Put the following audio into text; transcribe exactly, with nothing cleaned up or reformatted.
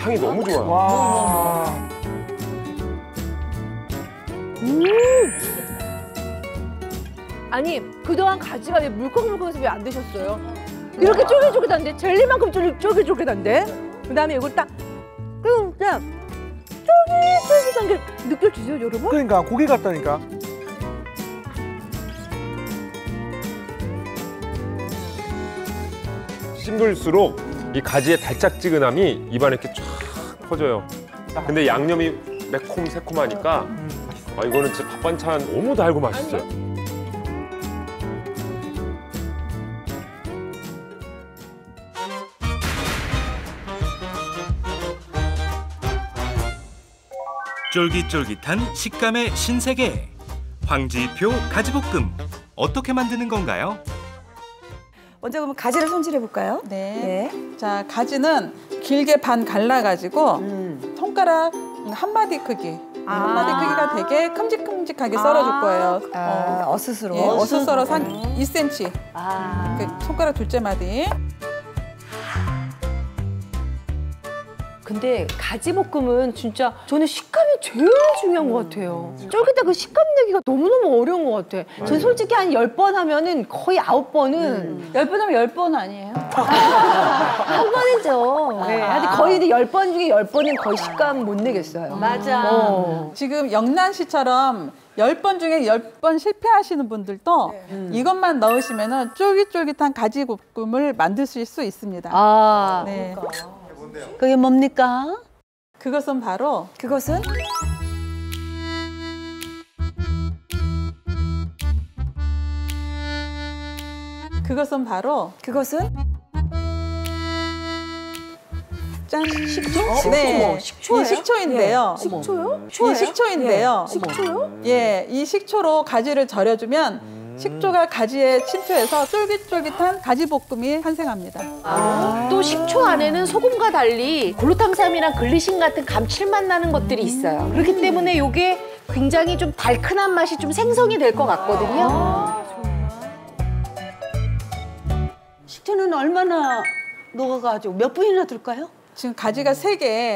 향이 너무 좋아요. 와. 음. 아니 그동안 가지가 왜 물컹물컹해서 왜 안 드셨어요? 이렇게 쫄깃쫄깃한데 젤리만큼 쫄깃, 쫄깃쫄깃한데 그다음에 이걸 딱 그냥 쫄깃쫄깃한 게 느껴지세요, 여러분? 그러니까 고기 같다니까. 씹을수록 이 가지의 달짝지근함이 입안에 이렇게 쫙 퍼져요. 근데 양념이 매콤 새콤하니까 아, 이거는 진짜 밥 반찬 너무 달고 맛있어요. 쫄깃쫄깃한 식감의 신세계. 황지표 가지볶음. 어떻게 만드는 건가요? 먼저 그러면 가지를 손질해 볼까요? 네. 네. 자, 가지는 길게 반 갈라가지고 음. 손가락 한 마디 크기. 아. 한 마디 크기가 되게 큼직큼직하게 썰어줄 거예요. 아, 어. 어슷으로. 예, 어슷 썰어서 한 이 센티미터. 아. 그 손가락 둘째 마디. 근데 가지볶음은 진짜 저는 식감이 제일 중요한 것 같아요. 쫄깃한 그 식감 내기가 너무너무 어려운 것 같아. 전 솔직히 한 열 번 하면은 거의 아홉 번은 열 번 하면 열 번 아니에요? 한 번이죠. 네, 하여튼 거의 열 번 중에 열 번은 거의 식감 못 내겠어요. 맞아. 어. 지금 영란 씨처럼 열 번 중에 열 번 실패하시는 분들도 네. 음. 이것만 넣으시면 쫄깃쫄깃한 가지볶음을 만드실 수 있습니다. 아, 네. 그러니까. 그게 뭡니까? 그것은 바로 그것은 그것은 바로 그것은 짠 식초? 네, 식초예요? 이 식초인데요. 예. 식초요? 이 식초인데요. 예. 식초요? 예, 이 식초로 가지를 절여주면 식초가 가지에 침투해서 쫄깃쫄깃한 가지볶음이 탄생합니다. 아, 또 식초 안에는 소금과 달리 글루탐산이랑 글리신 같은 감칠맛 나는 것들이 있어요. 그렇기 때문에 이게 굉장히 좀 달큰한 맛이 좀 생성이 될 것 같거든요. 아, 식초는 얼마나 녹아가지고 몇 분이나 둘까요? 지금 가지가 세 개.